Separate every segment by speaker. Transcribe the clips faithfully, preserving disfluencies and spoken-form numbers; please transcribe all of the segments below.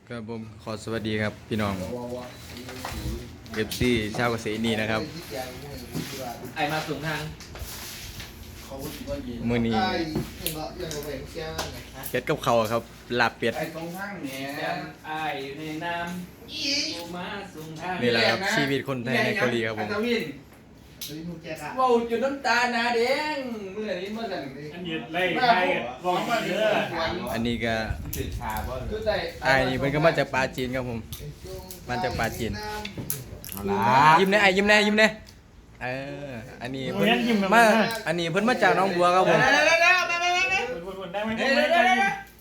Speaker 1: ครับผมขอสวัสดีครับพี่น้องเอฟซีชาวเกษตรนีนะครับ
Speaker 2: ไอมาสูงทาง
Speaker 1: มือนี้เป็ดกับเขาวครับลาบเป็ด
Speaker 3: ไอ้ตรงทางเนี่ย
Speaker 2: ไอในน้ำสูงมาสูงทาง
Speaker 1: นี่แหละครับชีวิตคนไทยในเกาหลีครับผม
Speaker 2: ว้าวจุดน้ำตาหนาแดงเมื่อนี้เมื่อไหร่
Speaker 4: อันนี้ไล่ไล่ลองมาเยอะ
Speaker 1: อันนี้ก็
Speaker 2: จุดชาบ่จุดใจ
Speaker 1: ไอ้นี่มันก็มาจากปลาจีนครับผมมาจากปลาจีน
Speaker 2: เอาละ
Speaker 1: ยิ้มแน่ไอ้ยิ้มแน่ยิ้มแน่เอออันนี้เพิ่นมาอันนี้เพิ่นมาจากหน้องบัวครับผม
Speaker 2: เดี๋ยวเดี๋ยวเดี๋ยวไม่ไม่ไม่ไม่
Speaker 4: วนๆได้ไหม
Speaker 2: เดี๋ยวเดี๋ยวเดี๋ยว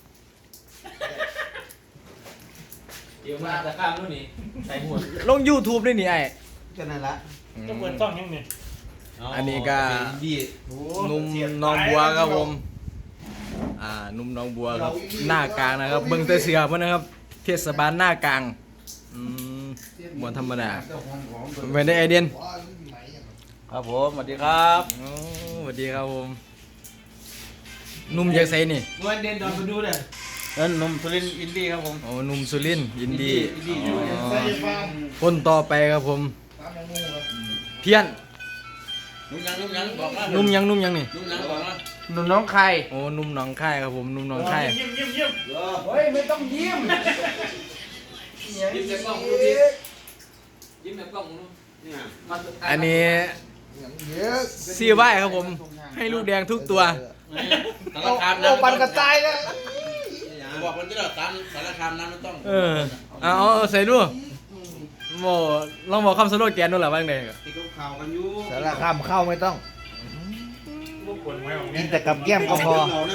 Speaker 2: เดี๋ยวมาจะข้ามนู่นนี่ใส่หัว
Speaker 1: ลง YouTube ด้วยนี่ไอ้
Speaker 3: ก็นั่นละ
Speaker 4: จะเปิดช่องยังเนี่ย
Speaker 1: อันนี้ก็หนุ่มหน้องบัวครับผมอ่าหนุ่มหน้องบัวครับหน้ากลางนะครับเบิ่งแต่เสือเพิ่นนะครับเทศบาลหน้ากลางอืมบ่ธรรมดาเป็นได้ไอเดียน
Speaker 2: ครับผมสวัสดีครับ
Speaker 1: โอ้สวัสดีครับผมหนุ่มจากไสนี่
Speaker 2: นวลเด่นดอนมาดูเลยนั่นนมสุรินทร์อินดี้ครับผม
Speaker 1: โอ้หนุ่มสุรินทร์ยินดี
Speaker 2: อินดี้อยู่
Speaker 1: อ๋อคนต่อไปครับผมเพี้ยน
Speaker 2: นุ่มยังนุ่มยังบอกว่า
Speaker 1: หนุ่มยังหนุ่มยังนี่
Speaker 2: นุ่มยังบอกว่านุ่มน้องใคร
Speaker 1: โอ้หนุ่มหนองค่ายครับผมหนุ่มหนองค่าย
Speaker 4: ยิ้มยิ้มยิ้ม
Speaker 2: เฮ้ยไม่ต้องยิ้มยิ้มแต่กล้องดูดิยิ้มแต่กล้องดู
Speaker 1: อันนี้ซีไว้ครับผมให้ลูกแดงทุกตัว
Speaker 2: สารคามน้ำปันกระจายเลยบอกมันจะหลอดตามสารคามน้ำมันต้อง
Speaker 1: เออเอาเอาใส่ดูโมลองบอกคำสโลแกนดูหรอบ้างเด็ก
Speaker 2: ที่เขาข่าวกันอยู่
Speaker 3: สารคามเข้าไม่ต้อง
Speaker 4: พวกคนไว้ของ
Speaker 3: กิ
Speaker 4: เนี่
Speaker 3: น
Speaker 4: ย
Speaker 3: แต่กับแก้มก็พอ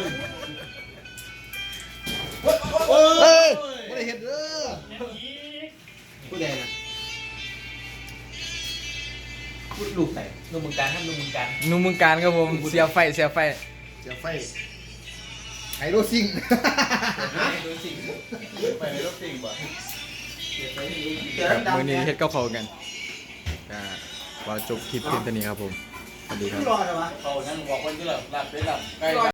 Speaker 2: เฮ้ย
Speaker 3: ไม่ได้เห็นเด้อ
Speaker 2: ผู้ใหญ่นะพูดลูกใส่ลูกมึงการท่านลูกมึงการ
Speaker 1: หนุ่มเมืองการครับผมเสียไฟเสียไฟ
Speaker 3: เสียไฟไฮโรซิง
Speaker 2: ดูสิไปในรถติ่งบ่
Speaker 1: ครับมือนี้เฮ็ดกับเขาวกันก็ขอจบคลิปเพียงเท่านี้ครับผมสวัสดีครับ
Speaker 2: เขานั่งบอกว่าจะหลับหลับไปหลับใกล้